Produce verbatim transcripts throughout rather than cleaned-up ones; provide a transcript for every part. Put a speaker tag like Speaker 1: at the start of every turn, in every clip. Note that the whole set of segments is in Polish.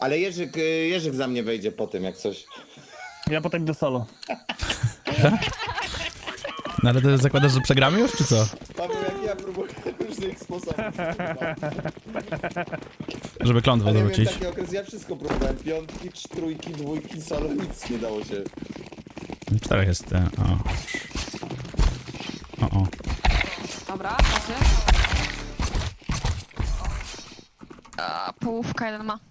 Speaker 1: Ale Jerzyk, y, Jerzyk za mnie wejdzie po tym, jak coś.
Speaker 2: Ja potem do solo.
Speaker 3: No ale ty zakładasz, że przegramy już, czy co?
Speaker 1: Paweł, jak ja próbuję różnych sposobów.
Speaker 3: Żeby klątwę
Speaker 1: Ale miałem
Speaker 3: dorzucić.
Speaker 1: taki okres, ja wszystko próbowałem. Piątki, trójki, dwójki, solo, nic nie dało się.
Speaker 3: Czterech jest. e, O. O, o.
Speaker 4: Dobra, patrzcie.
Speaker 5: A, połówka jeden ma.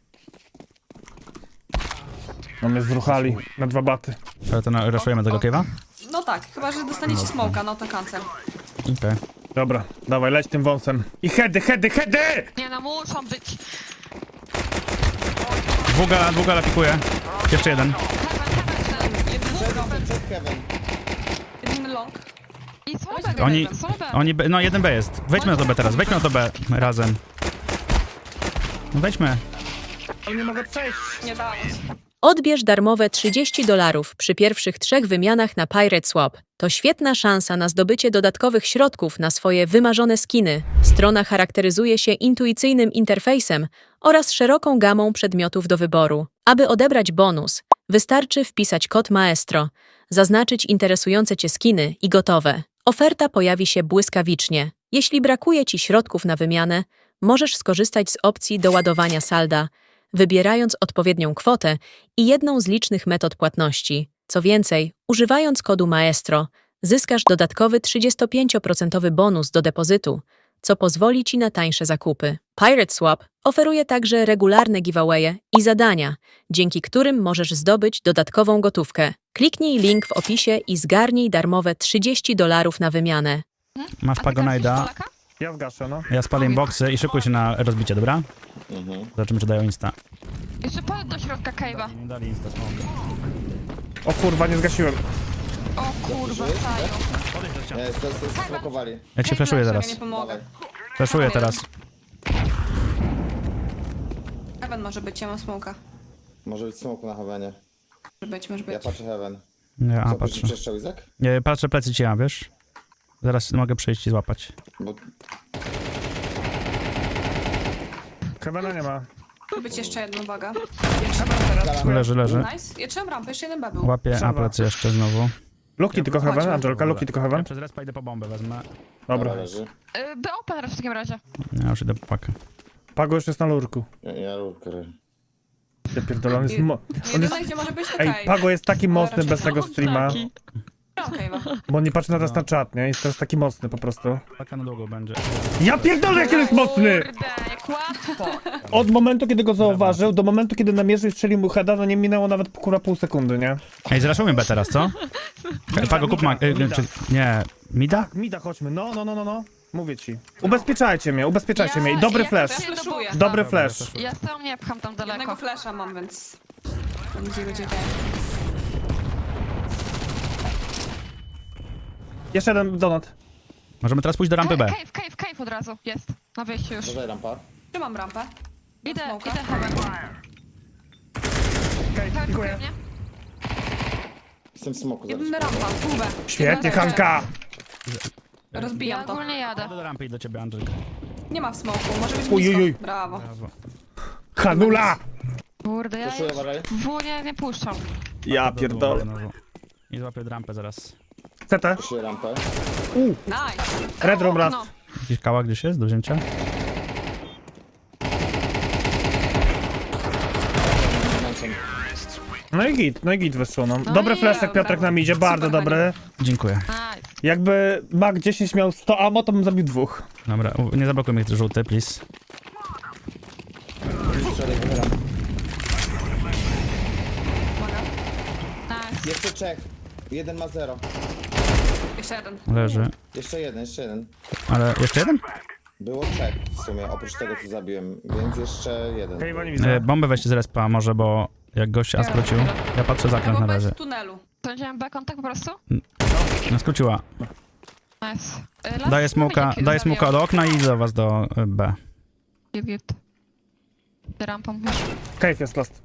Speaker 2: No mnie zruchali na dwa baty.
Speaker 3: Ale to na, raszujemy tego kiewa?
Speaker 4: No tak, chyba że dostaniecie smoka, no to cancel.
Speaker 3: Okej.
Speaker 2: Dobra, dawaj, leć tym wąsem. I heady, heady, heady!
Speaker 5: Nie no, muszą być.
Speaker 3: Dwuga, dwuga lapikuje. Jeszcze jeden.
Speaker 1: Check heaven.
Speaker 4: Jeden long.
Speaker 5: I są B,
Speaker 3: Oni,
Speaker 5: są B.
Speaker 3: oni, B- no jeden B jest. Wejdźmy na to B teraz, wejdźmy na to B razem. No wejdźmy.
Speaker 2: Ale nie mogę przejść.
Speaker 4: Nie dało się.
Speaker 6: Odbierz darmowe trzydzieści dolarów przy pierwszych trzech wymianach na Pirate Swap. To świetna szansa na zdobycie dodatkowych środków na swoje wymarzone skiny. Strona charakteryzuje się intuicyjnym interfejsem oraz szeroką gamą przedmiotów do wyboru. Aby odebrać bonus, wystarczy wpisać kod Maestro, zaznaczyć interesujące Cię skiny i gotowe. Oferta pojawi się błyskawicznie. Jeśli brakuje Ci środków na wymianę, możesz skorzystać z opcji doładowania salda, wybierając odpowiednią kwotę i jedną z licznych metod płatności. Co więcej, używając kodu Maestro, zyskasz dodatkowy trzydziestopięcioprocentowy bonus do depozytu, co pozwoli Ci na tańsze zakupy. Pirate Swap oferuje także regularne giveawaye i zadania, dzięki którym możesz zdobyć dodatkową gotówkę. Kliknij link w opisie i zgarnij darmowe trzydzieści dolarów na wymianę.
Speaker 3: Masz Pagonajda,
Speaker 2: Ja zgaszę, no.
Speaker 3: ja spalę im boksy i szykuj się na rozbicie, dobra?
Speaker 1: Mhm.
Speaker 3: Zobaczymy, czy dają insta.
Speaker 5: Jeszcze powiedz do środka cave'a.
Speaker 3: Nie dali insta smoke.
Speaker 2: O kurwa, nie zgasiłem.
Speaker 5: O kurwa, Saju.
Speaker 1: Nie, to jest smokowali.
Speaker 3: Ja ci flashuję
Speaker 4: Ja
Speaker 3: teraz.
Speaker 4: nie pomogę.
Speaker 3: Flashuję teraz.
Speaker 4: Heaven może być, ja mam smoka.
Speaker 1: Może być smoku na heavenie.
Speaker 4: Może być, może
Speaker 1: Ja
Speaker 4: być.
Speaker 1: patrzę heaven.
Speaker 3: Nie, a
Speaker 1: Co,
Speaker 3: patrzę.
Speaker 1: patrzę. Jeszcze Izak?
Speaker 3: Nie, patrzę plecy ci ja, wiesz? Zaraz mogę przyjść i złapać.
Speaker 1: Bo
Speaker 2: Kevena nie ma.
Speaker 4: Może być jeszcze jedna, uwaga.
Speaker 3: Leży, leży.
Speaker 4: Nice. Ja trzymam rampę, jeszcze jeden B był.
Speaker 3: Łapię, a
Speaker 2: Trzeba.
Speaker 3: plecy jeszcze znowu.
Speaker 2: Luki tylko heaven,
Speaker 4: Chodźmy.
Speaker 2: Angelka, Luki tylko
Speaker 3: Ja
Speaker 2: heaven.
Speaker 3: przez respa idę po bombę, wezmę.
Speaker 2: Dobra.
Speaker 1: leży.
Speaker 5: Y, B open teraz w takim razie.
Speaker 3: Ja już idę po pakę.
Speaker 2: Pago już jest na lurku.
Speaker 1: Ja, ja lubię.
Speaker 2: Ja pierdolę, on jest mo... On
Speaker 4: Jedyne,
Speaker 2: jest...
Speaker 4: gdzie może być to
Speaker 2: Ej,
Speaker 4: Cave.
Speaker 2: Pago jest taki mocny
Speaker 4: raczej
Speaker 2: bez
Speaker 4: nie.
Speaker 2: tego streama,
Speaker 4: Okej, okay,
Speaker 2: bo on nie patrzy na nas na czat, nie? Jest teraz taki mocny po prostu.
Speaker 3: Paka na długo będzie.
Speaker 2: Ja pierdolę, jak on jest mocny!
Speaker 5: Kurde, jak łatwo.
Speaker 2: Od momentu, kiedy go zauważył, do momentu, kiedy namierzył i strzelił mu heada, no nie minęło nawet kurwa pół sekundy, nie?
Speaker 3: Ej, zraszujmy B teraz, co? Pago, kup ma... y,
Speaker 2: Mida.
Speaker 3: czy, nie, mida?
Speaker 2: Mida, chodźmy, no, no, no, no, no. Mówię ci. Ubezpieczajcie mnie, ubezpieczajcie
Speaker 5: Ja-
Speaker 2: mnie. I dobry
Speaker 5: ja
Speaker 2: flash.
Speaker 5: też
Speaker 4: Flashuję.
Speaker 2: Dobry flash.
Speaker 5: Ja sam nie pcham tam
Speaker 4: Jednego
Speaker 5: daleko.
Speaker 4: flasha mam, więc... Gdzie będzie ten?
Speaker 2: Jeszcze jeden donut.
Speaker 3: Możemy teraz pójść do rampy B.
Speaker 5: Cave, cave, cave od razu. Jest. Na wyjściu już.
Speaker 1: Dodaj rampa.
Speaker 4: Trzymam rampę.
Speaker 5: Idę,
Speaker 4: smoka.
Speaker 5: idę heaven.
Speaker 2: Okej,
Speaker 5: Heaven
Speaker 2: dziękuję.
Speaker 5: pokrył mnie.
Speaker 1: Jestem w smoku zaraz.
Speaker 4: Jeden rampa, półbę.
Speaker 2: Świetnie, Hanka!
Speaker 5: Ja
Speaker 4: Rozbijam to.
Speaker 5: ogólnie jadę.
Speaker 3: Ja do rampy i do ciebie, Angelka.
Speaker 4: Nie ma w smoku, może być
Speaker 2: Uj, uj, uj.
Speaker 4: blisko. Brawo.
Speaker 3: Brawo.
Speaker 2: Hanula!
Speaker 5: Kurde, ja
Speaker 1: Proszę,
Speaker 5: już
Speaker 1: uważaj.
Speaker 5: w nie, nie puszczam.
Speaker 2: Ja
Speaker 3: Do
Speaker 2: pierdolę.
Speaker 3: długo znowu. I złapię rampę zaraz.
Speaker 2: C T.
Speaker 1: Proszę rampę.
Speaker 4: Nice.
Speaker 2: Red room raz.
Speaker 5: No.
Speaker 3: Gdzieś kała gdzieś jest do wzięcia?
Speaker 2: No i git, no i git wyszło, no.
Speaker 5: No
Speaker 2: Dobry
Speaker 5: i
Speaker 2: flash, jak
Speaker 4: dobra.
Speaker 2: Piotrek nam idzie, bardzo
Speaker 4: Super,
Speaker 2: dobry.
Speaker 3: Dziękuję.
Speaker 5: Nice.
Speaker 2: Jakby Mag dziesięć miał sto ammo, to bym zabił dwóch.
Speaker 3: Dobra, u- nie zablokuj mnie żółty, please.
Speaker 1: Strzelaj, wychylam.
Speaker 5: Nice.
Speaker 1: Jeszcze Czech. Jeden ma zero.
Speaker 4: Jeszcze jeden.
Speaker 3: Leży.
Speaker 1: Jeszcze jeden, jeszcze jeden.
Speaker 3: Ale jeszcze jeden?
Speaker 1: Było Czech w sumie, oprócz tego co zabiłem, więc jeszcze jeden.
Speaker 2: Kejwa nie
Speaker 3: E,
Speaker 2: widzę.
Speaker 3: bombę weźcie z respa może, bo jak gość A skrócił. Ja patrzę za zakręt na
Speaker 4: Albo
Speaker 3: razie.
Speaker 4: bez tunelu.
Speaker 5: To będziemy B kontakt po prostu?
Speaker 3: No skróciła.
Speaker 5: Nice. Y, last
Speaker 3: Daję smoka,
Speaker 5: wiecie,
Speaker 3: daję
Speaker 5: zabiją.
Speaker 3: smoka do okna i do was do y, B.
Speaker 5: Git, git. Ty rampą już.
Speaker 2: Cave jest last.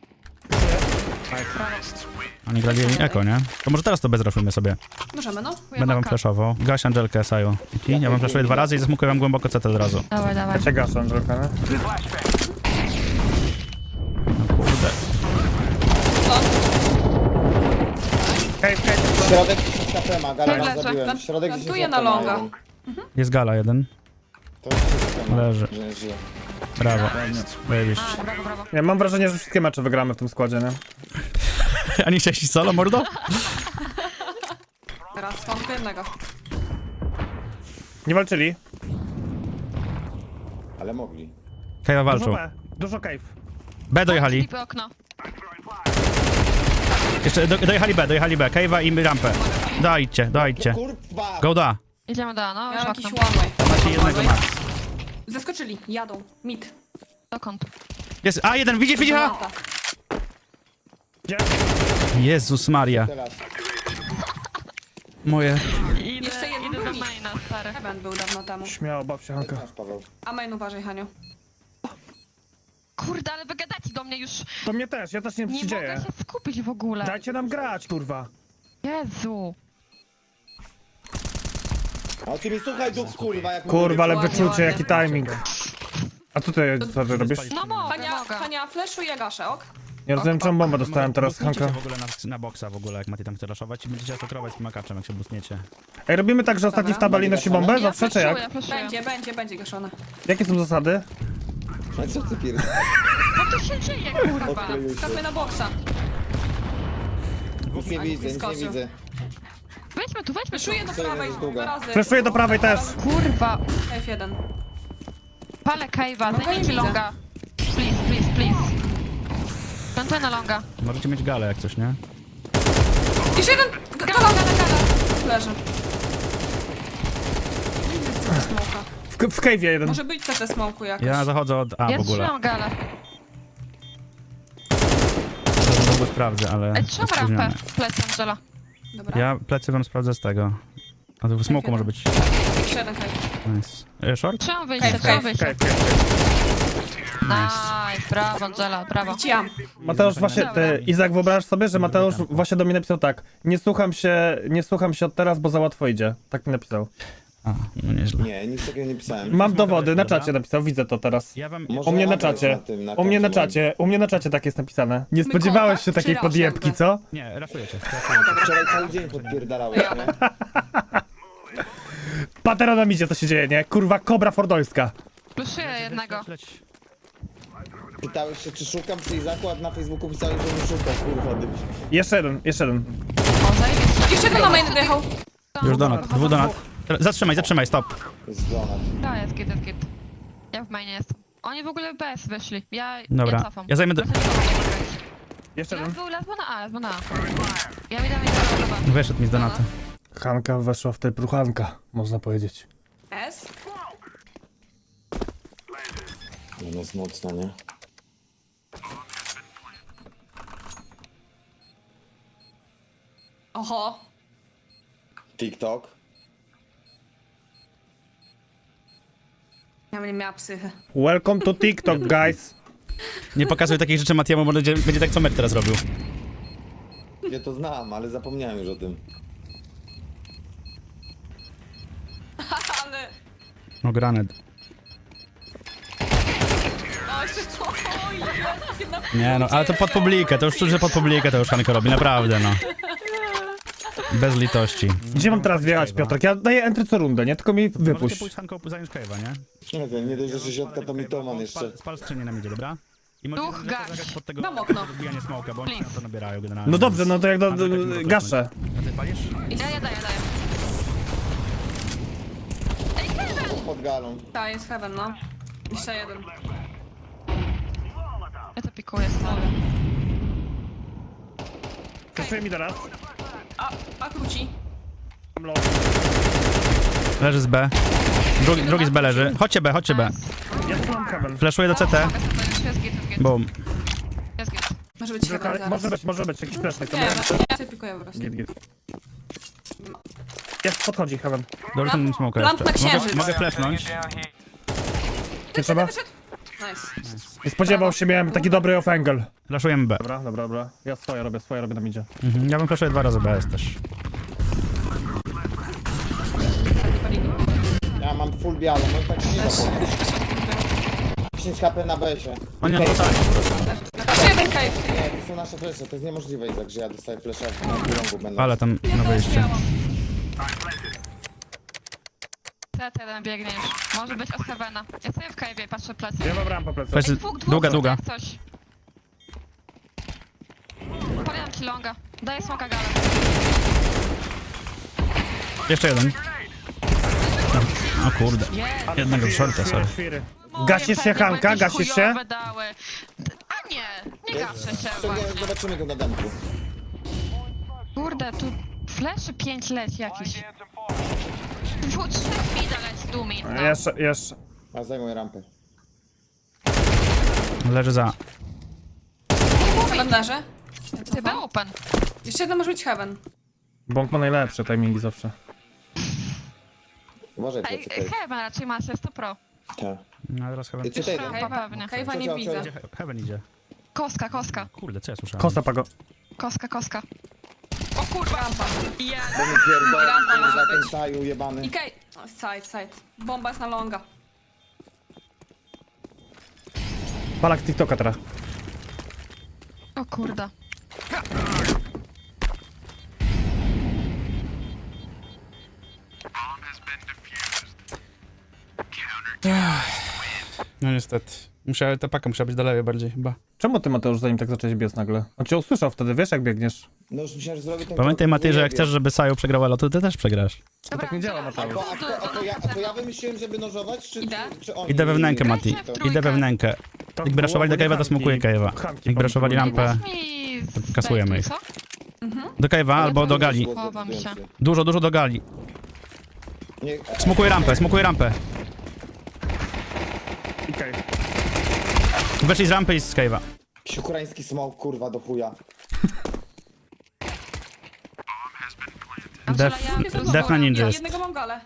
Speaker 3: Oni grali eko, nie? To może teraz to bezraszujmy sobie.
Speaker 4: Możemy, no.
Speaker 3: Będę wam flashował. Gaś Angelkę, Saju. I ja wam flashuję dwa razy i zasmukuję wam głęboko C T od razu.
Speaker 5: Dawaj, dawaj.
Speaker 2: Ja cię gaszę, Angelka, nie?
Speaker 1: Środek dziesięć K P ma, gala
Speaker 5: Leży.
Speaker 1: raz zabiłem. Środek dziesięć
Speaker 4: Plantuję
Speaker 1: K P
Speaker 4: na
Speaker 1: ma
Speaker 4: longa.
Speaker 1: jeden.
Speaker 3: Jest gala jeden.
Speaker 1: To jest wszystko. no.
Speaker 3: Leży.
Speaker 1: Że nie żyje.
Speaker 3: Brawo. Zajebiście.
Speaker 5: A, brawo, brawo.
Speaker 2: Ja mam wrażenie, że wszystkie mecze wygramy w tym składzie, nie?
Speaker 3: A nie chciałeś iść solo, mordo?
Speaker 4: Teraz mam tylko jednego.
Speaker 2: Nie walczyli.
Speaker 1: Ale mogli.
Speaker 3: Kajwa
Speaker 2: Dużo
Speaker 3: walczą.
Speaker 2: B, dużo cave.
Speaker 3: B dojechali.
Speaker 5: Flipy okno.
Speaker 3: Jeszcze do, dojechali B, dojechali B. Kajwa i rampę. Dajcie, dajcie.
Speaker 1: Kurwa!
Speaker 3: Go da.
Speaker 5: Idziemy do, no,
Speaker 4: Miałem
Speaker 5: już
Speaker 4: jakiś
Speaker 5: okno.
Speaker 4: one way.
Speaker 3: Macie jednego max.
Speaker 4: Zeskoczyli, jadą. Mid.
Speaker 5: Dokąd?
Speaker 3: Jest, a jeden, widzisz, widzisz? a?
Speaker 4: Granata.
Speaker 2: Gdzie?
Speaker 3: Jezus Maria.
Speaker 1: Teraz.
Speaker 3: Moje.
Speaker 5: Idę,
Speaker 4: Jeszcze jeden
Speaker 5: idę do
Speaker 4: drugi.
Speaker 5: maina, stary.
Speaker 4: Heaven był dawno temu.
Speaker 2: Śmiało, baw się, Hanka.
Speaker 1: Masz, Paweł.
Speaker 4: A main uważaj, Haniu.
Speaker 5: Kurde, ale wy gadacie do mnie już.
Speaker 2: To mnie też, ja też nie wiem, co
Speaker 5: Nie
Speaker 2: się
Speaker 5: mogę
Speaker 2: dzieje.
Speaker 5: się skupić w ogóle.
Speaker 2: Dajcie nam grać, kurwa.
Speaker 5: Jezu.
Speaker 1: A ty mi słuchaj duch, kurwa, jak
Speaker 2: Kurwa, ale
Speaker 4: Ładnie,
Speaker 2: wyczucie,
Speaker 4: ładnie.
Speaker 2: jaki timing. A co ty, co ty robisz?
Speaker 5: No mogę,
Speaker 4: Hania,
Speaker 5: mogę.
Speaker 4: Hania, flashu i gaszę, ok?
Speaker 2: Nie rozumiem, czemu bombę dostałem teraz,
Speaker 3: Bustnijcie
Speaker 2: Hanka.
Speaker 3: się w ogóle na, na boksa w ogóle, jak Mati tam chce raszować i będziecie atakować z tym makaczem, jak się bustniecie.
Speaker 2: Ej, robimy tak, że ostatni w
Speaker 4: Dobra.
Speaker 2: tabeli nosi bombę?
Speaker 5: Ja
Speaker 2: Zawsze, czy
Speaker 5: flashuję,
Speaker 2: jak?
Speaker 5: flashuję.
Speaker 4: Będzie, będzie, będzie gaszone.
Speaker 2: Jakie są zasady?
Speaker 1: A co ty pierdolisz?
Speaker 5: Co tu się dzieje, kurwa?
Speaker 1: Odkleił się.
Speaker 4: Skakuj na boksa.
Speaker 1: Nic nie
Speaker 4: Ani
Speaker 1: widzę, nic nie
Speaker 4: wyskoczył.
Speaker 1: widzę.
Speaker 5: Weźmy tu, weźmy tu.
Speaker 4: Flashuję do
Speaker 1: Co
Speaker 4: prawej
Speaker 1: jest
Speaker 4: dwa
Speaker 1: długa?
Speaker 4: razy.
Speaker 2: Flashuję do prawej też.
Speaker 5: Kurwa.
Speaker 4: F jeden.
Speaker 5: Palę Kajwa,
Speaker 4: No to nie
Speaker 5: zajmijcie
Speaker 4: widzę.
Speaker 5: longa. Please, please, please. Plantuję na longa.
Speaker 3: Możecie mieć galę jak coś, nie?
Speaker 4: Jeszcze jeden! Gala, gala, gala! Leży. Smoka.
Speaker 2: W, w cave'ie jeden.
Speaker 4: Może być C T smoku jakoś.
Speaker 3: Ja zachodzę od A
Speaker 5: Ja
Speaker 3: w ogóle.
Speaker 5: trzymam galę.
Speaker 3: Za długo sprawdzę, ale...
Speaker 5: Ej, trzymam
Speaker 3: spóźniony.
Speaker 5: rampę w plecy Angela.
Speaker 4: Dobra.
Speaker 3: Ja plecy wam sprawdzę z tego. A to w smoku może być.
Speaker 4: Jeszcze jeden hej.
Speaker 3: Nice. E, short?
Speaker 5: Trzymam wyjście,
Speaker 4: Cave,
Speaker 5: trzymam
Speaker 4: cave,
Speaker 5: wyjście.
Speaker 2: Cave, cave.
Speaker 5: Nice, brawo Angela, brawo.
Speaker 4: Widziałam.
Speaker 2: Mateusz właśnie, ty, Izak, wyobraź sobie, że Mateusz właśnie do mnie napisał tak. Nie słucham się, nie słucham się od teraz, bo za łatwo idzie. Tak mi napisał.
Speaker 3: A, no nieźle.
Speaker 1: Nie, nic takiego nie pisałem.
Speaker 2: Mam dowody, na czacie napisał, widzę to teraz.
Speaker 3: Ja wam...
Speaker 1: Może
Speaker 2: U mnie na
Speaker 1: adres
Speaker 2: czacie.
Speaker 1: na tym, na
Speaker 2: U mnie na
Speaker 1: koncie
Speaker 2: czacie, u mnie na czacie tak jest napisane. Nie spodziewałeś
Speaker 4: kontakt
Speaker 2: się takiej
Speaker 4: czy
Speaker 2: podjebki,
Speaker 4: rasz
Speaker 2: co?
Speaker 3: Nie, raszujecie.
Speaker 1: mam. Wczoraj cały dzień podpierdalałeś, nie?
Speaker 2: Patera nam idzie, co się dzieje, nie? Kurwa, kobra fordońska.
Speaker 5: Pluszuję jednego.
Speaker 3: Leć.
Speaker 1: Pytałeś się, czy szukam, czy zakład na Facebooku pisałeś, że nie szukam, kurwa, dybyś.
Speaker 2: Jeszcze jeden, jeszcze jeden.
Speaker 5: O, zajebiście.
Speaker 4: Jeszcze jeden na main dojechał.
Speaker 3: Już donat, dwu donat. Zatrzymaj, zatrzymaj, stop.
Speaker 1: Jest donat.
Speaker 5: To jest git, jest git. Ja w mainie jestem. Oni w ogóle B S wyszli. Ja,
Speaker 3: Dobra,
Speaker 5: ja cofam.
Speaker 3: ja zajmę do-
Speaker 5: Trochę nie mogę grać.
Speaker 2: Jeszcze
Speaker 5: Las
Speaker 2: jeden.
Speaker 5: był, las był na A, las był na A. Ja mi dam jeden dobra.
Speaker 3: Wyszedł mi z donata.
Speaker 2: Hanka weszła w tę pruchanka, można powiedzieć.
Speaker 4: S.
Speaker 1: No jest mocno, nie?
Speaker 4: Oho.
Speaker 1: TikTok.
Speaker 4: Ja bym nie miała psychy.
Speaker 2: Welcome to TikTok, guys.
Speaker 3: Nie pokazuj takich rzeczy Matiemu, bo będzie, będzie tak co mecz teraz robił.
Speaker 1: Ja to znam, ale zapomniałem już o tym.
Speaker 4: Ale...
Speaker 3: No granet.
Speaker 4: O, jeszcze... Oj, jest, na...
Speaker 3: Nie no, ale to pod publikę, to już czuć, że pod publikę to już Hanko robi, naprawdę no. Bez litości.
Speaker 2: Gdzie mam teraz wjechać, Piotrek? Ja daję entry co rundę, nie? Tylko mi
Speaker 3: Możecie
Speaker 2: wypuść.
Speaker 3: pójść z Hanką zająć Cave'a, nie?
Speaker 1: Nie wiem, nie dość, że środka to mitoman jeszcze.
Speaker 3: Spal, spal skrzynię nam idzie, dobra? I możecie
Speaker 5: Duch,
Speaker 3: tam
Speaker 5: gaś.
Speaker 3: zagrać pod tego
Speaker 4: Mam okno.
Speaker 3: rozbijanie smoka, bo oni
Speaker 5: Please.
Speaker 3: na to nabierają generalnie.
Speaker 2: No dobrze, no to jak do,
Speaker 3: Mamy
Speaker 2: do,
Speaker 3: taki
Speaker 2: gaszę.
Speaker 3: A ty palisz?
Speaker 5: Ja, ja daję, daję. Ej, Kevin!
Speaker 1: Pod galą.
Speaker 4: Ta, jest heaven, no. Jeszcze jeden.
Speaker 5: Ja to pikuję stary.
Speaker 2: Kaszuję mi teraz.
Speaker 4: A, a króci.
Speaker 2: Mam low.
Speaker 3: Leży z B. Drugi, drugi z B leży. Chodźcie B, chodźcie B.
Speaker 2: Ja tu mam heaven.
Speaker 3: Flashuję do C T.
Speaker 5: Mogę sobie, już jest git, jest git.
Speaker 3: Boom.
Speaker 5: Jest git.
Speaker 4: Może być heaven zaraz.
Speaker 2: Może być, może być, jakiś flashback.
Speaker 4: Nie,
Speaker 2: Dobra.
Speaker 4: ja sobie pikuję po prostu.
Speaker 2: Git, git. Jest, podchodzi heaven.
Speaker 3: Dobrze, ten smoka
Speaker 4: Lamp
Speaker 3: jeszcze.
Speaker 4: na
Speaker 3: Mogę,
Speaker 4: księżyc.
Speaker 3: mogę flashnąć.
Speaker 2: Nie trzeba?
Speaker 4: Wyszedł. Nice.
Speaker 2: Nie spodziewał się, miałem taki dobry off angle.
Speaker 3: Flashujemy B.
Speaker 2: Dobra, dobra, dobra. Ja swoje robię, swoje robię na midzie.
Speaker 3: Mhm. Ja bym flashuję dwa razy B S też.
Speaker 1: Ja mam full białą, no tak się nie da powiedzieć. dziesięć H P na besie.
Speaker 3: Oni na to sami po prostu.
Speaker 4: Jeszcze jeden cave.
Speaker 1: Nie, to są nasze flesze, to jest niemożliwe, Izak, że ja dostaję flesza na longu będę.
Speaker 3: Ale tam na wyjście.
Speaker 5: C T jeden biegnie już. Może być od Heavena. Ja sobie w cave'ie patrzę plecy.
Speaker 2: Ja mam rampę plecy.
Speaker 3: Flash,
Speaker 5: Dwóch, dwóch,
Speaker 3: długa,
Speaker 5: dwóch,
Speaker 3: długa.
Speaker 5: jak coś. Paliam ci longa. Daję smoka galę.
Speaker 3: Jeszcze jeden. O kurde. Jednego shorta, sorry.
Speaker 2: Świry. Gasisz się, Hanka? Gasisz się?
Speaker 5: Dały. A nie, nie gaszę się
Speaker 1: Sobie
Speaker 5: właśnie.
Speaker 1: zobaczymy go na damku.
Speaker 5: Kurde, tu fleszy pięć leci jakiś. Dwóch, trzech mida leci, tu mid, no.
Speaker 2: Jeszcze, jeszcze.
Speaker 1: A zajmuję rampę.
Speaker 3: Leży za.
Speaker 4: W kalendarze.
Speaker 5: Ty był open.
Speaker 4: Jeszcze jeden może być Heaven.
Speaker 2: Bąk ma najlepsze timingi zawsze.
Speaker 1: Uważaj,
Speaker 5: Ej,
Speaker 1: plecy, plecy.
Speaker 5: Heaven raczej ma się sto pro.
Speaker 1: Tak.
Speaker 3: No teraz Heaven.
Speaker 1: I co ty?
Speaker 5: Rampa pewnie.
Speaker 4: Kajwa
Speaker 1: Co,
Speaker 4: nie
Speaker 1: co,
Speaker 4: widzę.
Speaker 1: co?
Speaker 3: He- Heaven idzie.
Speaker 5: Koska, koska,
Speaker 3: Kurde, co ja słyszałem?
Speaker 2: Kosa pago.
Speaker 5: koska, koska. O kurwa!
Speaker 4: Rampa.
Speaker 5: Jest!
Speaker 1: Bo mi pierdolę,
Speaker 4: Rampa może
Speaker 1: za ten
Speaker 4: być.
Speaker 1: saju jebany.
Speaker 4: I Kaj... O, side, side. Bomba jest na longa.
Speaker 2: Palak TikToka teraz.
Speaker 5: O kurda.
Speaker 3: No niestety. Musiała, ta paka musiała być dalej bardziej chyba.
Speaker 2: Czemu ty, Mateusz, zanim tak zacząłeś biec nagle? On cię usłyszał wtedy, wiesz jak biegniesz?
Speaker 1: No już myślałem, że zrobię ten
Speaker 3: Pamiętaj
Speaker 1: krok,
Speaker 3: Matej, że jak
Speaker 1: nie
Speaker 3: chcesz,
Speaker 1: wiem.
Speaker 3: żeby Saju przegrał elo, to ty też przegrasz.
Speaker 5: Dobra,
Speaker 2: tak nie działa,
Speaker 5: to-
Speaker 2: Mateusz.
Speaker 1: A to, a, to ja, a to ja wymyśliłem, żeby nożować, czy,
Speaker 4: Idę.
Speaker 1: czy, czy oni?
Speaker 3: Idę we wnękę,
Speaker 1: Nie,
Speaker 3: Mati.
Speaker 5: Grajcie w trójkę.
Speaker 3: Idę we wnękę. Jakby raszowali do Cave'a, to smokuję Cave'a. Jakby raszowali rampę
Speaker 5: Mi z-
Speaker 3: kasujemy ich.
Speaker 5: co?
Speaker 3: do Cave'a albo do gali.
Speaker 5: Chowam się.
Speaker 3: Dużo, dużo do gali.
Speaker 1: Nie,
Speaker 3: Smokuję rampę, smokuję rampę.
Speaker 2: Okej.
Speaker 3: Weszli z rampy i z Cave'a.
Speaker 1: jakiś ukraiński smoke, kurwa, do chuja.
Speaker 5: Angela,
Speaker 3: Def,
Speaker 5: ja-
Speaker 4: Jest
Speaker 3: def na ninja
Speaker 4: Ja
Speaker 3: jest.
Speaker 4: jednego mam galę.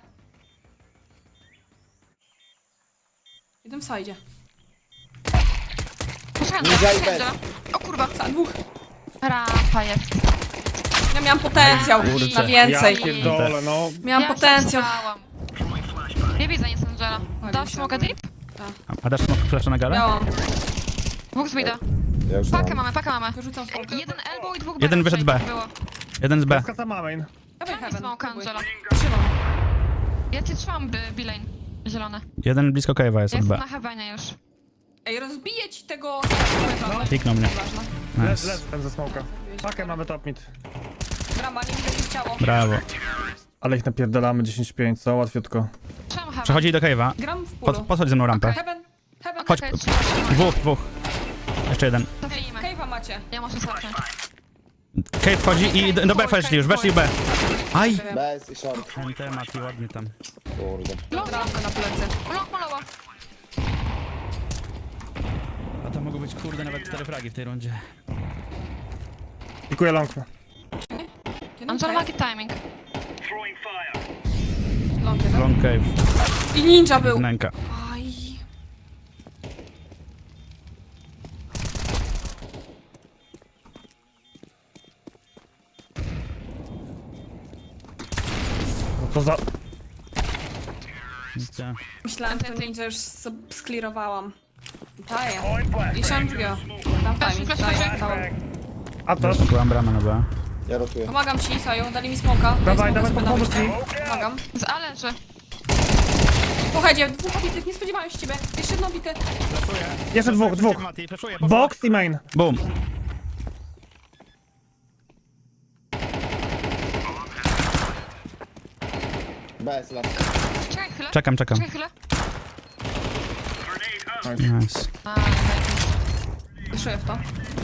Speaker 4: Jeden w sajdzie.
Speaker 5: Poczekaj,
Speaker 1: Ninja i
Speaker 5: Angela.
Speaker 1: bez.
Speaker 5: O kurwa,
Speaker 4: Za dwóch.
Speaker 5: rampa jest.
Speaker 4: Ja miałam potencjał
Speaker 3: Kurczę.
Speaker 4: na więcej.
Speaker 2: Ja pierdolę, no.
Speaker 4: Miałam
Speaker 5: Ja się
Speaker 4: potencjał.
Speaker 5: słuchałam. Nie widzę nic Angela.
Speaker 4: Oj,
Speaker 5: Dasz
Speaker 4: myślałam.
Speaker 5: smoka deep?
Speaker 3: A dasz smoke flasha na galę?
Speaker 4: Miałam.
Speaker 5: Dwóch z mida.
Speaker 1: Ja już
Speaker 5: Pakę
Speaker 1: mam.
Speaker 5: mamy, pakę mamy.
Speaker 4: Wyrzucam smoka.
Speaker 5: Jeden elbow i dwóch B.
Speaker 3: Jeden wyszedł B.
Speaker 5: Było.
Speaker 3: Jeden z B.
Speaker 2: Skaca main.
Speaker 4: Dawaj
Speaker 5: Czemu
Speaker 4: Heaven.
Speaker 5: smoka
Speaker 4: próbuj.
Speaker 5: Angela?
Speaker 4: Trzymam.
Speaker 5: Ja cię trzymam by B-lane. Zielone.
Speaker 3: Jeden blisko Cave'a jest
Speaker 5: Ja
Speaker 3: od
Speaker 5: jestem
Speaker 3: B.
Speaker 5: na heavenie już.
Speaker 4: Ej, rozbiję ci tego...
Speaker 3: Kliknął mnie.
Speaker 4: Ważne.
Speaker 2: Leży,
Speaker 3: Nice.
Speaker 2: leży ten ze smoka. Pakę mamy top mid.
Speaker 4: Brama, nie widzę ciało.
Speaker 3: Brawo.
Speaker 2: Ale ich napierdalamy dziesięć pięć, co? Łatwiutko.
Speaker 5: Trzymam heaven.
Speaker 3: Przechodzi do Cave'a.
Speaker 4: Gram w
Speaker 3: Pod,
Speaker 4: pulu.
Speaker 3: podchodź ze mną rampę.
Speaker 4: Heaven. Heaven.
Speaker 3: Chodź.
Speaker 5: Okej, trzymam, trzymam.
Speaker 3: Dwóch, dwóch. Jeszcze jeden.
Speaker 5: Cofnijmy.
Speaker 4: Cave'a macie.
Speaker 5: Ja muszę zacząć.
Speaker 3: Cave wchodzi i do B weszli już, weszli B. Aj!
Speaker 1: Bez i short,
Speaker 3: Ten temat i ładnie tam.
Speaker 1: kurde.
Speaker 4: Bramkę na plecy.
Speaker 5: Ulok malowa.
Speaker 3: A to mogą być kurde nawet cztery fragi w tej rundzie.
Speaker 2: Pikuję long.
Speaker 5: Angela ma timing.
Speaker 4: Long jeden.
Speaker 3: Long cave.
Speaker 4: I ninja był.
Speaker 3: Wnęka.
Speaker 4: Aj.
Speaker 2: No to za...
Speaker 3: Gdzie?
Speaker 4: Myślałem, że to ninja już s- sklirowałam. Daję. I siam drugiego. Dam timing.
Speaker 5: flash,
Speaker 4: Daję.
Speaker 5: flash.
Speaker 4: Dałam.
Speaker 2: A to?
Speaker 3: Zaspokołam bramę na B.
Speaker 1: Ja rotuję.
Speaker 4: Pomagam ci, Saju. Dali mi smoka. Daj
Speaker 2: Dawaj,
Speaker 4: smoka
Speaker 2: dawaj,
Speaker 4: sobie na
Speaker 2: pomóż
Speaker 4: wyjście. Pomagam.
Speaker 5: Z ale, że...
Speaker 4: Słuchajcie, dwóch obitych, nie spodziewałem się ciebie. Jeszcze jedno obite.
Speaker 2: Jeszcze dwóch, dwóch.
Speaker 3: Mati, flashuję,
Speaker 2: Box i main.
Speaker 3: Boom.
Speaker 1: Bez, las.
Speaker 5: Czekaj chwilę.
Speaker 3: Czekam, czekam.
Speaker 5: Czekaj chwilę.
Speaker 3: Nice.
Speaker 5: A,
Speaker 4: Wyszuję w to.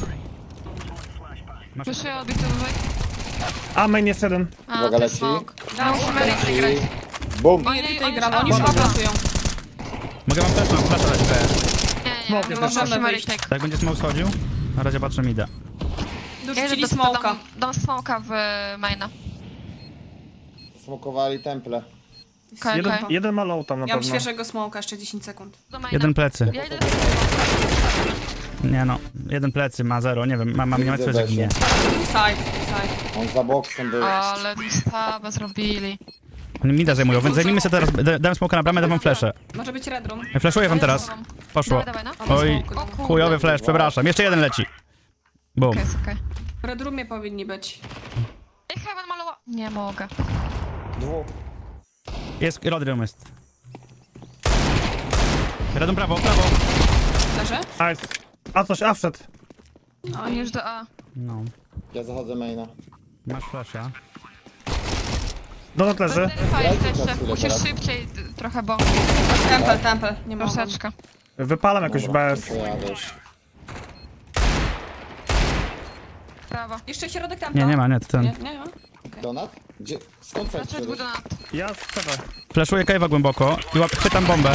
Speaker 3: Masz...
Speaker 5: Wyszły odbity wyżej.
Speaker 2: A main jeszcze jeden.
Speaker 5: A,
Speaker 1: Uwaga,
Speaker 5: to jest
Speaker 1: leci.
Speaker 5: smoke. Ja musimy lecieć
Speaker 1: I...
Speaker 5: grać.
Speaker 1: Bum!
Speaker 5: Oni,
Speaker 4: Nie, tutaj
Speaker 5: oni
Speaker 4: gram,
Speaker 5: już
Speaker 4: oni już
Speaker 5: tam-
Speaker 4: aplasują.
Speaker 3: Mogę wam też flasha dać B.
Speaker 5: Nie, nie,
Speaker 2: Smoke
Speaker 5: nie,
Speaker 2: jest
Speaker 5: musimy
Speaker 4: też.
Speaker 5: retake.
Speaker 3: Tak jak będzie smoke schodził? Na razie patrzę mida.
Speaker 5: Ja
Speaker 4: Dorzucili
Speaker 5: idę do-
Speaker 4: smoka.
Speaker 5: Dam, dam smoka w maina.
Speaker 1: Smokowali temple.
Speaker 5: Okej,
Speaker 2: Jeden,
Speaker 5: okej.
Speaker 2: jeden ma low tam na
Speaker 4: Ja mam
Speaker 2: pewno.
Speaker 4: świeżego smoka, jeszcze dziesięć sekund.
Speaker 5: Do maina.
Speaker 3: Jeden plecy.
Speaker 5: Ja idę
Speaker 3: Nie no. Jeden plecy ma zero, nie wiem, ma, ma mnie
Speaker 1: Widzę
Speaker 3: metr jak
Speaker 1: Besię.
Speaker 3: nie.
Speaker 4: Side, side.
Speaker 1: On za boksem był.
Speaker 5: Ale stabę zrobili.
Speaker 3: Oni mida zajmują, więc zajmijmy sobie teraz, da- dałem smoka na bramę, dam wam fleszę.
Speaker 4: Może być red room.
Speaker 3: Flashuję wam teraz. Poszło.
Speaker 5: Dawaj, dawaj, no.
Speaker 3: Oj,
Speaker 5: O kurde.
Speaker 3: chujowy flash, przepraszam. Jeszcze jeden leci. Boom.
Speaker 5: Okej, jest okej.
Speaker 4: W Red Roomie powinni być.
Speaker 5: Ej, Heaven malowa... Nie mogę.
Speaker 1: Dwóch.
Speaker 3: Jest, Rodrium jest. Radą prawo, prawo.
Speaker 4: Leży?
Speaker 2: Nice. A coś, a wszedł.
Speaker 5: On już do A.
Speaker 3: No.
Speaker 1: Ja zachodzę maina.
Speaker 3: Masz flasha.
Speaker 2: Donat leży.
Speaker 5: Fajnie
Speaker 1: Dajcie czas
Speaker 5: jeszcze.
Speaker 1: chwilę
Speaker 5: Musisz
Speaker 1: teraz.
Speaker 5: szybciej d- trochę, bo...
Speaker 4: Temple, temple. Nie mogę.
Speaker 5: Troszeczkę.
Speaker 2: Wypalam jakoś
Speaker 1: Dobra,
Speaker 2: bez.
Speaker 1: to jadę już.
Speaker 5: Brawo.
Speaker 4: Jeszcze środek temple.
Speaker 3: Nie, nie ma, nie, to
Speaker 4: Nie,
Speaker 3: ten.
Speaker 4: nie ma.
Speaker 1: Donat? Gdzie? Skąd
Speaker 5: Raczej
Speaker 1: flash
Speaker 5: był do nas.
Speaker 2: Ja strzelę.
Speaker 3: Flashuję cave'a głęboko i łap, chwytam bombę.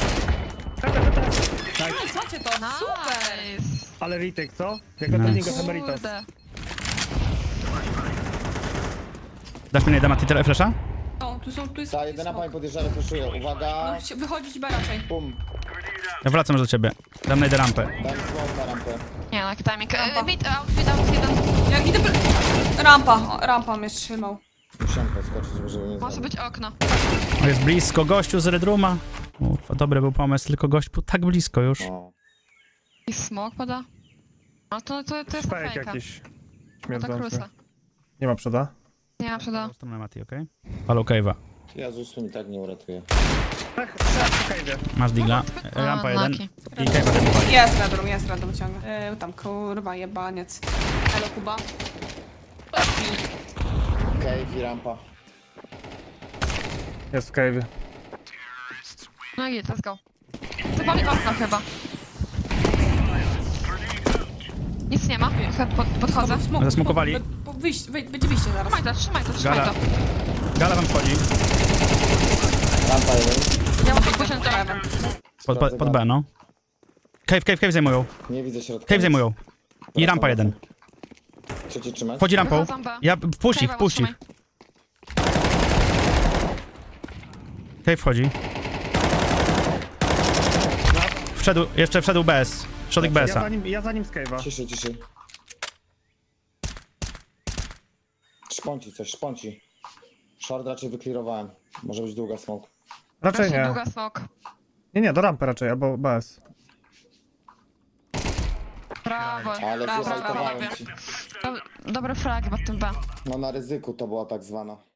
Speaker 4: Nice, macie to. Super.
Speaker 5: Nice.
Speaker 2: Ale retake, co? Jako
Speaker 3: Nice.
Speaker 2: trening of Emeritus.
Speaker 5: Kurde.
Speaker 3: Dasz mi na Mati tyle flasha?
Speaker 4: O, tu są, tu jest...
Speaker 1: Ta jedyna pani podjeżdża, flashuję. Uwaga.
Speaker 4: No, się- wychodzić B raczej.
Speaker 1: Bum.
Speaker 3: Ja wracam już do ciebie. Dam najdę rampę.
Speaker 1: Dam smoke na rampę.
Speaker 5: Nie no, jaki timing.
Speaker 4: Rampa.
Speaker 5: E, Mid, out, mid, out, jeden.
Speaker 4: Ja idę... by- Rampa, o, rampa mnie trzymał.
Speaker 1: Musiałem podskoczyć, żeby mnie
Speaker 5: Może
Speaker 1: zabić.
Speaker 5: być okno.
Speaker 3: O, jest blisko, gościu z Red Rooma. Ufa, dobry był pomysł, tylko gość był tak blisko już.
Speaker 1: O.
Speaker 5: I smok pada. No to, to, to jest
Speaker 2: Fake
Speaker 5: fejka.
Speaker 2: jakiś.
Speaker 5: To
Speaker 2: Śmierdzący.
Speaker 5: krusa.
Speaker 2: Nie ma przeda.
Speaker 5: Nie ma przeda.
Speaker 3: Stronę Mati, okej? Halo cave'a.
Speaker 1: Ja z usłu mi tak nie uratuje.
Speaker 2: Tak, okej, wie.
Speaker 3: Masz digla.
Speaker 5: A,
Speaker 3: Rampa jeden.
Speaker 5: Naki.
Speaker 3: I cave'a ten pali.
Speaker 4: Jest Red Room, jest Red Room ciągle. Yy, tam kurwa jebaniec. Elo Kuba.
Speaker 1: Cave i rampa.
Speaker 2: Jest w cave'ie.
Speaker 5: No i let's go. To pali okno chyba. Nic nie ma. Pod, pod, podchodzę.
Speaker 4: Smok,
Speaker 3: Zasmokowali.
Speaker 4: smok. Be- be- Wyjść, wej- będzie wyjście zaraz.
Speaker 5: Trzymaj to, trzymaj to, trzymaj
Speaker 3: Gala.
Speaker 5: to.
Speaker 3: Gala wam wchodzi.
Speaker 1: Rampa jeden.
Speaker 5: Ja muszę pójść na to.
Speaker 3: Pod, pod, pod B, no. Cave, cave, cave zajmują.
Speaker 1: Nie widzę środka.
Speaker 3: Cave zajmują. I rampa jeden.
Speaker 1: Chcecie trzymać?
Speaker 3: Wchodzi rampą.
Speaker 5: Wychodzą B.
Speaker 3: Ja, wpuść ich,
Speaker 5: Cave'a
Speaker 3: wpuść ich.
Speaker 5: trzymaj.
Speaker 3: Cave wchodzi. Wszedł, jeszcze wszedł B S. Środek B
Speaker 2: Ja
Speaker 3: S-a.
Speaker 2: za nim, ja za nim z cave'a.
Speaker 1: Ciszej, ciszej. Szponci coś, szponci. Short raczej wyklirowałem. Może być długa smoke.
Speaker 2: Raczej
Speaker 5: Raczej
Speaker 2: nie.
Speaker 5: długa smok.
Speaker 2: Nie, nie, do rampy raczej, albo bez.
Speaker 5: Brawo.
Speaker 1: Ale
Speaker 4: Brawo,
Speaker 1: zjechałem
Speaker 4: brawo.
Speaker 1: ci.
Speaker 5: Do- Dobre fragi pod tym B.
Speaker 1: No na ryzyku to była tak zwana.